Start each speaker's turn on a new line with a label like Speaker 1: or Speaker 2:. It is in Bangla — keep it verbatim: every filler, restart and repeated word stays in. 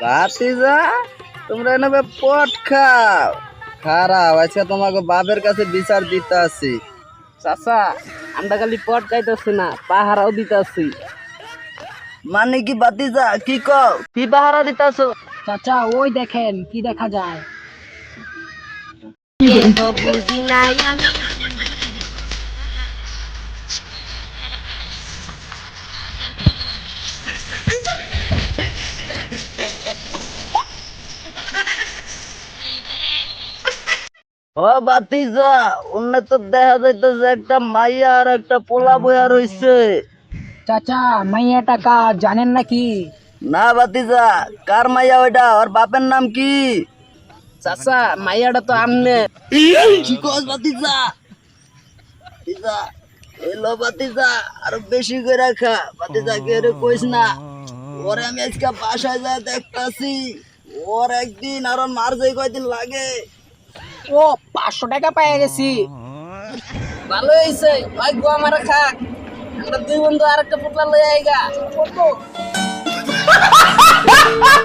Speaker 1: ভাতিজা তোমরা এনে পট খাও খারাপ আজকে তোমাকে বাপের কাছে বিচার দিতে আসি।
Speaker 2: চাচা আমরা খালি পট খাইতেছি না, পাহারাও দিতেছি।
Speaker 1: মানে কি ভাতিজা কি কও, কি পাহারা দিতেছ?
Speaker 2: চাচা ওই দেখেন কি দেখা যায়।
Speaker 1: ও ভাতিজা অন্য তো দেখা যাইতেছে একটা মাইয়া আর একটা পোলা বইয়া রইছে।
Speaker 2: চাচা মাইয়াটা কার জানেন নাকি?
Speaker 1: না ভাতিজা, কার মাইয়া ওইটা? ওর বাপের নাম কি?
Speaker 2: চাচা মাইয়াটা তো আমনে।
Speaker 1: কি কস ভাতিজা? ভাতিজা এলো ভাতিজা, আরো বেশি করে রাখা ভাতিজা, কে রে কইস না। ওরে আমি আজকে বাসায় যায় দেখতাছি, ওর একদিন আর ওর মার যাই কয়দিন লাগে।
Speaker 2: ও পাঁচশো টাকা পাই গেছি, ভালো হয়েছে। ভাই গো আমার খাক, আমরা দুই বন্ধু আর একটা পুতলা লই আইগা।